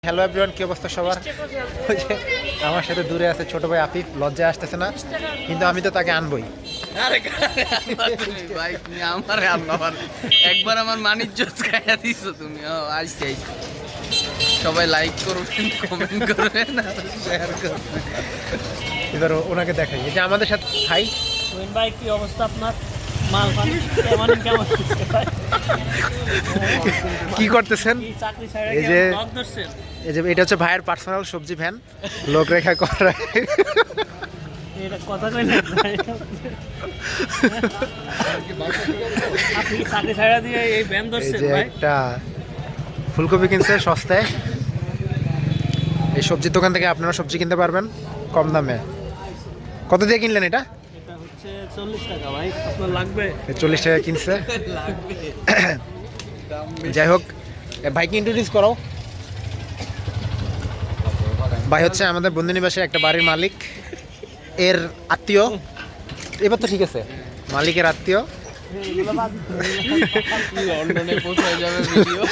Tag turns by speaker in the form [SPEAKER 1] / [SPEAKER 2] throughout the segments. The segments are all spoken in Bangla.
[SPEAKER 1] হ্যালো এভরিওয়ান, কি অবস্থা সবার? ওই যে আমার সাথে দূরে আছে ছোট ভাই আফিফ, লজ্জায় আসতেছে না, কিন্তু আমি তো তাকে আনবই।
[SPEAKER 2] আরে ভাই তুমি আমারে আনবার একবার আমার মানিজ্য খাইয়া দিছো তুমি। আইছি সবাই লাইক করবেন, কমেন্ট করবেন আর শেয়ার করবেন।
[SPEAKER 1] এবার ওনাকে দেখাই, এই যে আমাদের সাথে ভাই।
[SPEAKER 3] ভাই কি অবস্থা আপনার? মাল পানি কেমন ভাই?
[SPEAKER 1] কি করতেছেন?
[SPEAKER 3] কি চাকরি ছাড়া
[SPEAKER 1] এই
[SPEAKER 3] কি
[SPEAKER 1] যে
[SPEAKER 3] ব্লগ ধরছেন?
[SPEAKER 1] এই যে এটা হচ্ছে ভাইয়ের পার্সোনাল সবজি ভ্যান, লোক রেখা করা।
[SPEAKER 3] এটা কথা কই না ভাই। আপনি কি চাকরি ছাড়া দিয়ে এই ব্যান
[SPEAKER 1] এই
[SPEAKER 3] ধরছেন
[SPEAKER 1] যে
[SPEAKER 3] ভাই?
[SPEAKER 1] একটা ফুলকপি কিনছে সস্তায়। এই সবজির দোকান থেকে আপনারা সবজি কিনতে পারবেন কম দামে। কত দিয়ে কিনলেন এটা?
[SPEAKER 3] এটা হচ্ছে 40 টাকা ভাই। আপনার লাগবে?
[SPEAKER 1] 40 টাকা কিনছে। যাই হোক, ভাইকে ইন্ট্রোডিউস করো। ভাই হচ্ছে আমাদের বন্ধুনিবাসের একটা বাড়ির মালিক, এর আত্মীয়। এবার তো ঠিক আছে, মালিকের আত্মীয়।
[SPEAKER 2] লন্ডনে পৌঁছে যাবে ভিডিও।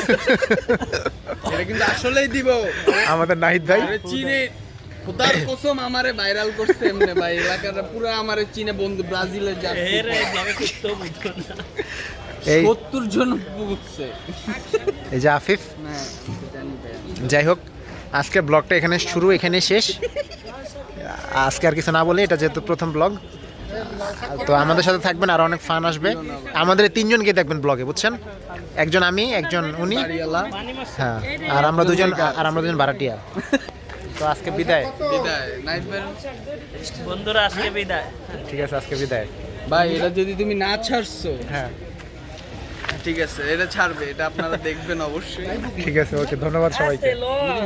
[SPEAKER 2] এটা কিন্তু আসলেই দিব।
[SPEAKER 1] আমাদের নাহিদ ভাই।
[SPEAKER 2] আরে চীনে খোদার কসম আমারে ভাইরাল করছে এমনে ভাই, এলাকাটা পুরো আমারে চীনে বন্ধু ব্রাজিলে যাচ্ছে।
[SPEAKER 3] এর এই ব্লগে করতে বুঝতো না।
[SPEAKER 1] এই
[SPEAKER 2] 70 জন বুঝছে।
[SPEAKER 1] এই যে আফিফ।
[SPEAKER 2] না জানি ভাই।
[SPEAKER 1] যাই হোক, আজকের ব্লগটা এখানে শুরু, এখানে শেষ। আজকে আর কিছু না বলি, এটা যেহেতু প্রথম ব্লগ, তো আমাদের সাথে থাকবেন, আর অনেক ফান আসবে। আমাদের এই তিনজনকে দেখবেন ব্লগে, বুঝছেন? একজন আমি, একজন উনি,
[SPEAKER 2] বাড়িওয়ালা
[SPEAKER 3] পানি মারছে।
[SPEAKER 1] হ্যাঁ, আর আমরা দুজন ভাড়াটিয়া। তো আজকে বিদায়।
[SPEAKER 2] বিদায় নাইট ভাই।
[SPEAKER 3] বন্ধুরা আজকে বিদায়।
[SPEAKER 1] ঠিক আছে, আজকে বিদায়।
[SPEAKER 2] ভাই এটা যদি তুমি না ছাড়ছো,
[SPEAKER 1] হ্যাঁ,
[SPEAKER 2] ঠিক আছে এটা ছাড়বে, এটা আপনারা দেখবেন অবশ্যই।
[SPEAKER 1] ঠিক আছে, ওকে, ধন্যবাদ সবাইকে।
[SPEAKER 3] আস্তে লো।